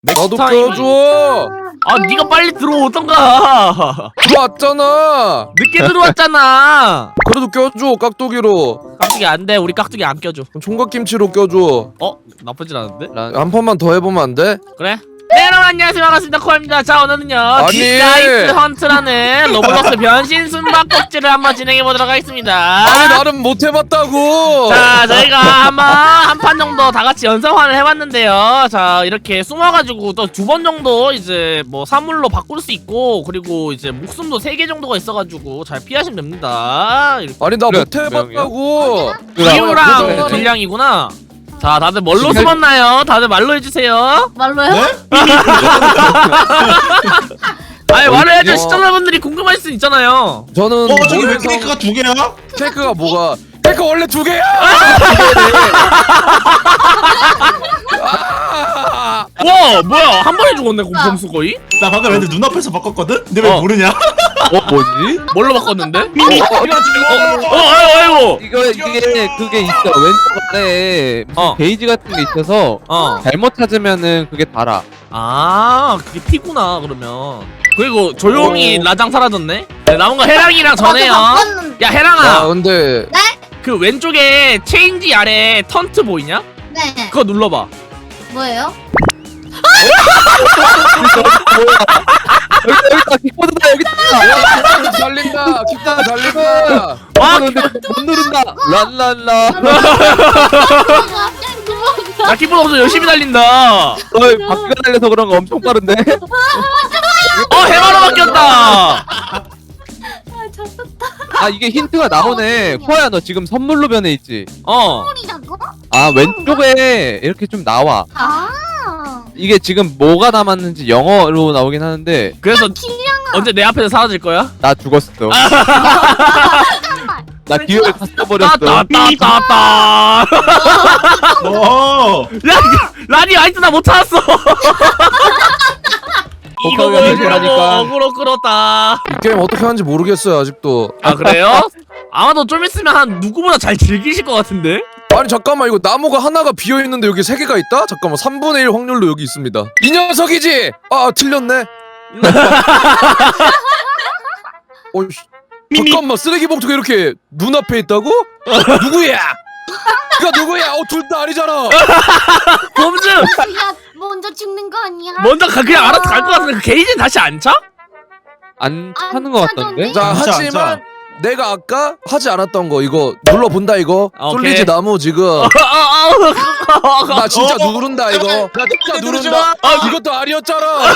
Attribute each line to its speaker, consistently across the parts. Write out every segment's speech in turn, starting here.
Speaker 1: 나도
Speaker 2: 타임.
Speaker 1: 껴줘.
Speaker 2: 아 네가 빨리 들어오던가.
Speaker 1: 들어왔잖아.
Speaker 2: 늦게 들어왔잖아.
Speaker 1: 그래도 껴줘 깍두기로.
Speaker 2: 깍두기 안돼. 우리 깍두기 안 껴줘.
Speaker 1: 총각김치로 껴줘.
Speaker 2: 나쁘진 않은데?
Speaker 1: 한 판만 더 해보면 안 돼?
Speaker 2: 그래? 네 여러분 안녕하세요 반갑습니다 코아입니다. 자 오늘은요
Speaker 1: 아니.
Speaker 2: 디스가이스 헌트라는 로블록스 변신 숨바꼭질을 한번 진행해보도록 하겠습니다.
Speaker 1: 아니 나는 못 해봤다고.
Speaker 2: 자 저희가 한번 한 판 정도 다같이 연습환을 해봤는데요. 자 이렇게 숨어가지고 또 2번 정도 이제 뭐 사물로 바꿀 수 있고, 그리고 이제 목숨도 3개 정도가 있어가지고 잘 피하시면 됩니다.
Speaker 1: 아니 나
Speaker 3: 그래,
Speaker 1: 못 해봤다고.
Speaker 2: 기우랑 딜량이구나. 자 다들 뭘로 숨었나요? 다들 말로 해주세요.
Speaker 4: 말로요?
Speaker 3: 네?
Speaker 2: 아니 말을 해줘.
Speaker 1: 어.
Speaker 2: 시청자분들이 궁금할 수 있잖아요.
Speaker 1: 저는
Speaker 3: 저기 왜
Speaker 1: 뭘 해서-
Speaker 3: 케이크가 2개야?
Speaker 1: 케이크가 뭐가? 케이크 원래 2개야.
Speaker 2: 와 뭐야 한 번에 죽었네 공범수 거의?
Speaker 3: 나 방금 애들 눈앞에서 바꿨거든? 근데 왜 모르냐?
Speaker 1: 뭐지?
Speaker 2: 뭘로 바꿨는데? 아이고
Speaker 5: 이게 그게 있어. 왼쪽 아래에 무슨 게이지 같은 게 있어서 잘못 찾으면은 그게 달아.
Speaker 2: 아 그게 피구나 그러면. 그리고 조용히 라장 사라졌네. 네, 남은 거 해랑이랑 전해요. 야 해랑아
Speaker 1: 근데
Speaker 2: 그 왼쪽에 체인지 아래 턴트 보이냐?
Speaker 4: 네.
Speaker 2: 그거 눌러봐.
Speaker 4: 뭐예요?
Speaker 5: 여기 있다. 킥보드다 여기 있다.
Speaker 1: 달린다. 기타가 달린다.
Speaker 2: 와
Speaker 5: 못 누른다. 랄랄라.
Speaker 4: 갑자기 도망가.
Speaker 2: 나 키보드 없어 열심히 달린다.
Speaker 5: 바퀴가 달려서 그런 거 엄청 빠른데.
Speaker 2: 해마로 바뀌었다.
Speaker 4: 아 잡혔다.
Speaker 5: 아 이게 힌트가 나오네. 코아야 너 지금 선물로 변해 있지?
Speaker 4: 소리라고?
Speaker 5: 아 왼쪽에 이렇게 좀 나와.
Speaker 4: 아.
Speaker 5: 이게 지금 뭐가 남았는지 영어로 나오긴 하는데
Speaker 2: 그래서
Speaker 4: 길냥아.
Speaker 2: 언제 내 앞에서 사라질 거야?
Speaker 5: 나 죽었어.
Speaker 4: 잠깐만.
Speaker 5: 나 기회를 다 써버렸어.
Speaker 2: 따따따따따.
Speaker 3: 어.
Speaker 2: 야 라니 아직도 나 못 찾았어. 이거
Speaker 5: 복합이 안
Speaker 2: 끌어
Speaker 5: 되니까.
Speaker 2: 어그로 끌었다.
Speaker 1: 이 게임 어떻게 하는지 모르겠어요 아직도.
Speaker 2: 아 그래요? 아마도 좀 있으면 한 누구보다 잘 즐기실 것 같은데?
Speaker 1: 아니 잠깐만 이거 나무가 하나가 비어있는데 여기 3개가 있다? 잠깐만 3분의 1 확률로 여기 있습니다. 이 녀석이지! 아 틀렸네. 잠깐만 쓰레기 봉투가 이렇게 눈앞에 있다고? 누구야? 그가 누구야? 둘 다 아니잖아.
Speaker 2: 범즈!
Speaker 4: 야 먼저 죽는 거 아니야?
Speaker 2: 먼저 그냥 알아서 갈 것 같은데 그 게이지는 다시 안 차?
Speaker 5: 안 차는 거 같던데?
Speaker 1: 자
Speaker 3: 진짜,
Speaker 1: 하지만
Speaker 3: 진짜.
Speaker 1: 내가 아까 하지 않았던 거 이거 눌러본다 이거.
Speaker 2: 오케이.
Speaker 1: 쏠리지 나무 지금. 나 진짜 누른다 이거. 나 진짜 누른다. 이것도 아니었잖아.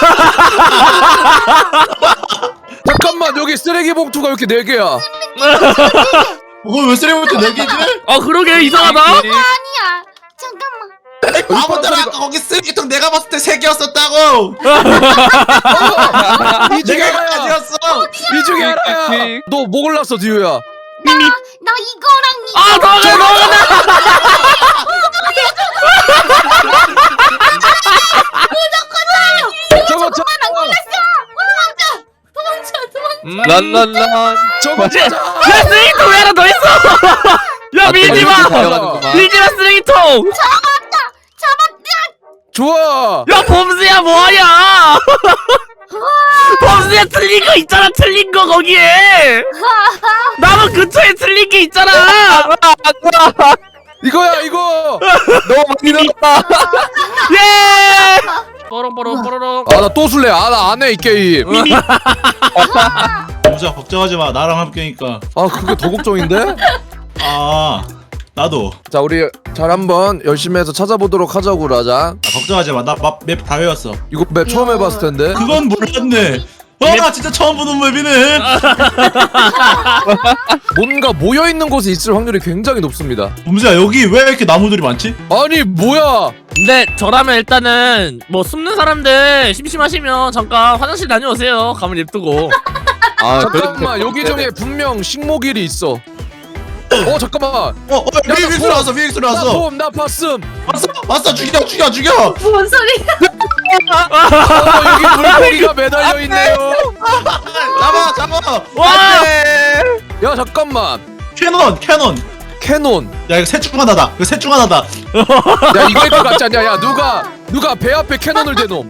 Speaker 1: 잠깐만 여기 쓰레기 봉투가 이렇게 4개야.
Speaker 3: 그걸 왜 쓰레기부터 4개지?
Speaker 2: 그러게 이상하다.
Speaker 4: 아니야. 잠깐만.
Speaker 3: 바보들아 아까 거기 쓰레기통 내가 봤을 때 3개였었다고!
Speaker 1: 이 중에
Speaker 3: 내가
Speaker 1: 하나야.
Speaker 3: 아니었어!
Speaker 1: 이 중에 하나야. 너 뭐 골랐어 디유야?
Speaker 4: 나 이거랑 이거.
Speaker 2: 도망가.
Speaker 1: 저거
Speaker 4: 도망쳐.
Speaker 5: 랄랄라.
Speaker 1: 저거 진짜.
Speaker 2: 야 쓰레기통 왜 하나 더 있어? 야 밀지마. 밀지마 쓰레기통.
Speaker 1: 좋아.
Speaker 2: 야 범수야 뭐하냐? 범수야 틀린 거 있잖아. 틀린 거 거기에. 나무 근처에 틀린 게 있잖아.
Speaker 1: 이거야 이거.
Speaker 5: 너무 많이 늘었다.
Speaker 2: 예. 뽀롱뽀롱 뽀로롱.
Speaker 1: 아 나 또 술래. 아 나 안 해 이 게임.
Speaker 3: 무자 걱정하지 마. 나랑 함께니까.
Speaker 1: 아 그게 더 걱정인데?
Speaker 3: 아, 나도.
Speaker 1: 자 우리 잘 한번 열심히 해서 찾아보도록 하자고 라자.
Speaker 3: 걱정하지 마. 나 맵 다 외웠어.
Speaker 1: 이거 맵 처음 해봤을 텐데.
Speaker 3: 그건 몰랐네. 나 진짜 처음 보는 맵이네.
Speaker 1: 뭔가 모여있는 곳에 있을 확률이 굉장히 높습니다.
Speaker 3: 범수야 여기 왜 이렇게 나무들이 많지?
Speaker 1: 아니 뭐야.
Speaker 2: 근데 저라면 일단은 뭐 숨는 사람들 심심하시면 잠깐 화장실 다녀오세요. 가면 냅두고.
Speaker 5: 아
Speaker 1: 잠깐만 여기 중에 분명 식목일이 있어. 잠깐만.
Speaker 3: 비행기 나왔어. 비행기
Speaker 1: 나
Speaker 3: 나왔어.
Speaker 1: 봄, 나 봤음.
Speaker 3: 왔어. 죽여.
Speaker 4: 뭔 소리?
Speaker 1: 여기 물고기가 매달려 있네요.
Speaker 3: 잡아.
Speaker 2: 와!
Speaker 1: 야 잠깐만.
Speaker 3: 캐논.
Speaker 1: 캐논.
Speaker 3: 야 이거 셋 중 하나다.
Speaker 1: 야 이거일 것 같지 않냐? 야 누가 누가 배 앞에 캐논을 대놈.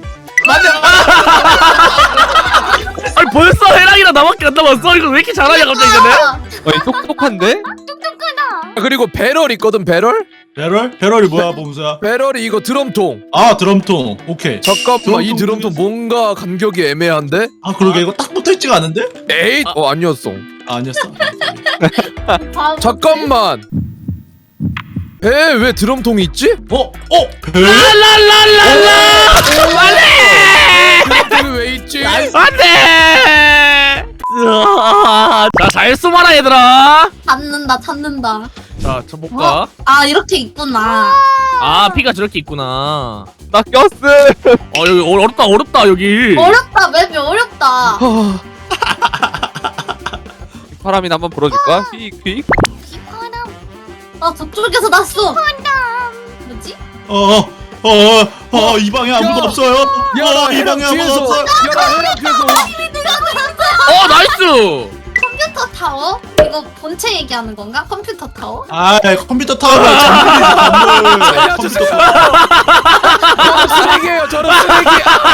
Speaker 2: 아니 벌써 해랑이랑 나밖에 안 남았어. 이거 왜 이렇게 잘하냐 갑자기 근데?
Speaker 5: 어이 똑똑한데?
Speaker 4: 똑똑하다.
Speaker 1: 그리고 배럴 있거든 배럴?
Speaker 3: 배럴? 배럴이 뭐야 봄수야?
Speaker 1: 배럴이 이거 드럼통.
Speaker 3: 아 드럼통. 오케이.
Speaker 1: 잠깐만 이
Speaker 3: 드럼통
Speaker 1: 드럼통 뭔가 간격이 애매한데?
Speaker 3: 아 그러게 이거 딱 붙어있지가 않은데?
Speaker 1: 에잇! 아니었어.
Speaker 3: 아, 아니었어.
Speaker 4: 바보.
Speaker 1: 잠깐만. 배에 왜 드럼통이 있지?
Speaker 3: 배?
Speaker 2: 랄랄랄랄라. 안돼.
Speaker 1: 드럼통이 왜 있지?
Speaker 2: 안돼. 자, 잘 숨어라 얘들아.
Speaker 6: 찾는다.
Speaker 2: 자, 쳐볼까?
Speaker 6: 아 이렇게 있구나.
Speaker 2: 아, 피가 저렇게 있구나.
Speaker 5: 나 꼈어.
Speaker 2: 여기 어렵다 여기.
Speaker 6: 어렵다 맵이 어렵다.
Speaker 5: 바람이나 한번 불어줄까? 휙휙.
Speaker 4: 비파람.
Speaker 6: 아 저쪽에서 났어. 뭐지?
Speaker 3: 이 방에 아무도
Speaker 1: 야.
Speaker 3: 없어요.
Speaker 1: 야,
Speaker 3: 이
Speaker 1: 해랑
Speaker 3: 방에 아무도
Speaker 1: 뒤에서.
Speaker 3: 없어.
Speaker 1: 야, 해랑 뒤에서.
Speaker 2: 나이스.
Speaker 6: 컴퓨터 타워? 이거 본체 얘기하는 건가? 컴퓨터 타워?
Speaker 3: 아 컴퓨터 타워가 전문이야 컴퓨터 타워.
Speaker 1: 쓰레기예요. 저런 쓰레기.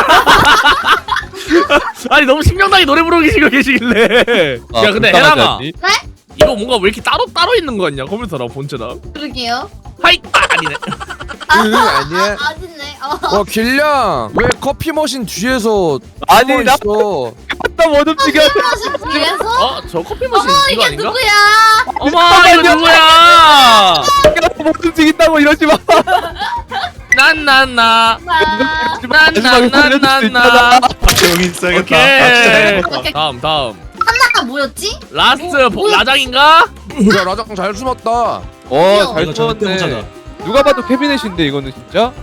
Speaker 2: 아니 너무 신명나게 노래 부르고 계시길래. 야, 근데 해랑아, 이거 뭔가 왜 이렇게 따로 있는 거 같냐? 컴퓨터랑 본체랑.
Speaker 6: 그러게요.
Speaker 2: 하이. 아니네.
Speaker 1: 아니야.
Speaker 6: 아니네.
Speaker 1: 길냥 왜 커피 머신 뒤에서
Speaker 5: 아니 나
Speaker 1: 있어?
Speaker 5: 못 움직여.
Speaker 6: 마신 뒤에서?
Speaker 2: 저 커피 머신
Speaker 6: 어머
Speaker 2: 이거
Speaker 6: 이게
Speaker 2: 아닌가?
Speaker 6: 누구야?
Speaker 2: 어머, 이거 누구야?
Speaker 5: 못 움직인다고 이러지 마.
Speaker 2: 난난나.
Speaker 5: 마지막에 살려줄 수 있잖아.
Speaker 3: 여기 있어야겠다.
Speaker 2: 오케이.
Speaker 6: 오케이.
Speaker 2: 다음.
Speaker 6: 하나가 뭐였지?
Speaker 2: 라스트
Speaker 6: 뭐였지?
Speaker 2: 라장인가?
Speaker 1: 야 라장 잘 숨었다.
Speaker 5: 잘
Speaker 3: 이거 절대 못 찾아.
Speaker 5: 쏘았네. 누가 봐도 캐비넷인데 이거는 진짜?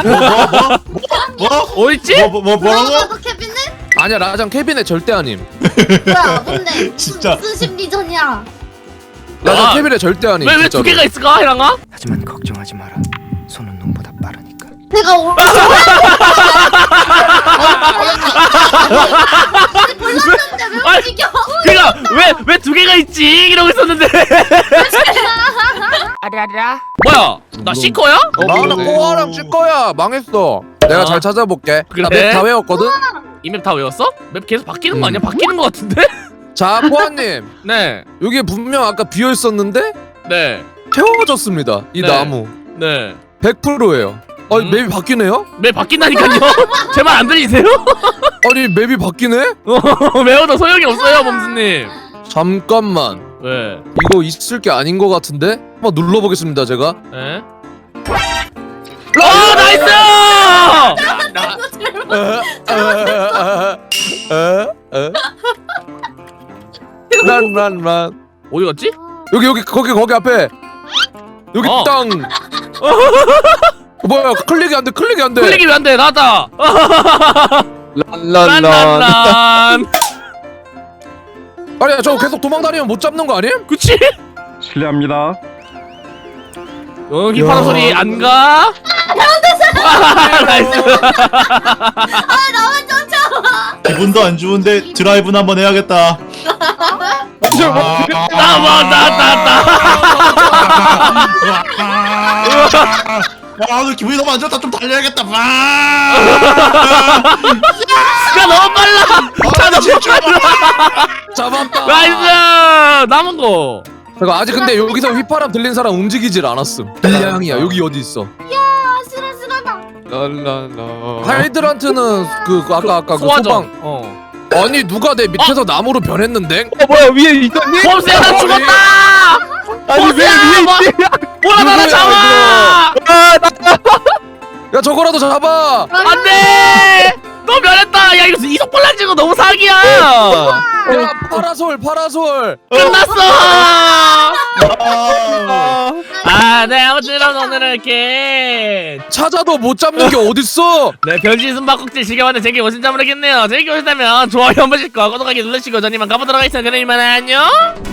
Speaker 3: 뭐?
Speaker 2: 어딨지?
Speaker 3: 뭐라고?
Speaker 6: 뭐라고 케빈은?
Speaker 1: 아니야 라장 캐비넷 절대 아님.
Speaker 6: 뭐야 뭔데?
Speaker 3: 진짜.
Speaker 6: 무슨 심리전이야?
Speaker 1: 라장
Speaker 2: 아,
Speaker 1: 캐비넷 절대 아님.
Speaker 2: 왜 두
Speaker 1: 진짜로.
Speaker 2: 개가 있을까, 해랑아?
Speaker 7: 하지만 걱정하지 마라. 손은 눈보다 빠르니까.
Speaker 6: 내가 몰랐는데 왜
Speaker 2: 아니,
Speaker 6: 움직여?
Speaker 2: 그니까 왜 두 개가 있지? 이러고 있었는데. 아라라. 뭐야? 나 C커야?
Speaker 1: 나는
Speaker 5: 그러네.
Speaker 1: 꼬아랑 칠 거야. 망했어. 내가
Speaker 2: 아.
Speaker 1: 잘 찾아볼게.
Speaker 2: 그래?
Speaker 1: 나맵다 외웠거든.
Speaker 2: 이 맵 다 외웠어? 맵 계속 바뀌는 거 아니야? 바뀌는 거 같은데?
Speaker 1: 자 꼬아님
Speaker 2: 네.
Speaker 1: 여기 분명 아까 비어 있었는데
Speaker 2: 네.
Speaker 1: 태워졌습니다. 이
Speaker 2: 네.
Speaker 1: 나무
Speaker 2: 네.
Speaker 1: 100%예요. 맵이 바뀌네요?
Speaker 2: 맵 바뀐다니까요. 제 말 안 들리세요?
Speaker 1: 아니 맵이 바뀌네?
Speaker 2: 외워도 소용이 없어요, 범수님.
Speaker 1: 잠깐만.
Speaker 2: 왜?
Speaker 1: 이거 있을 게 아닌 것 같은데? 한번 눌러보겠습니다 제가.
Speaker 2: 에? 나이스!
Speaker 1: 란
Speaker 2: 어디 갔지?
Speaker 1: 여기 거기 앞에 여기
Speaker 2: 어.
Speaker 1: 땅. 뭐야 클릭이 안 돼.
Speaker 2: 클릭이 왜 안 돼? 나다.
Speaker 5: 란란란.
Speaker 2: 란란란.
Speaker 1: 아니야 저거 계속 도망다니면 못 잡는 거 아님?
Speaker 2: 그치?
Speaker 8: 실례합니다.
Speaker 2: 여기 파란 소리 안 가? 나이스.
Speaker 6: 나만 쫓아와.
Speaker 3: 기분도 안 좋은데 드라이브는 한번 해야겠다. 너 기분이 너무 안 좋다. 좀 달려야겠다.
Speaker 2: 차 너무 빨라. 차 너무 빨라.
Speaker 1: 잡았다.
Speaker 2: 나이스. 남은 거.
Speaker 1: 잠깐 아직 근데 여기서 휘파람 들린 사람 움직이질 않았음. 빌량이야 여기 어디 있어?
Speaker 4: 아슬아슬하다.
Speaker 5: 랄랄라.
Speaker 1: 하이드란트는 그 아까 그
Speaker 2: 소화전.
Speaker 1: 소방. 아니 누가 내 밑에서 나무로 변했는데?
Speaker 5: 뭐야 위에 있었니?
Speaker 2: 범수야 나 죽었다.
Speaker 5: 아니 왜
Speaker 2: 범수야,
Speaker 5: 위에
Speaker 2: 뭐-
Speaker 5: 있지?
Speaker 2: 뭐라 나나
Speaker 1: 누구야,
Speaker 2: 잡아.
Speaker 1: 야 저거라도 잡아.
Speaker 2: 안돼. 너 변했다. 야 이거 이속 볼랑 찍어 너무 사기야.
Speaker 1: 야 파라솔.
Speaker 2: 끝났어. 네 아무튼 오늘은 이렇게
Speaker 1: 찾아도 못 잡는 게 어딨어?
Speaker 2: 네 변신 숨바꼭질 즐겨봤는데 재밌게 보신지 모르겠네요. 재밌게 보셨다면 좋아요 한 번씩과 구독하기 눌러주시고 전 이만 가보도록 하겠습니다. 그럼 이만 안녕.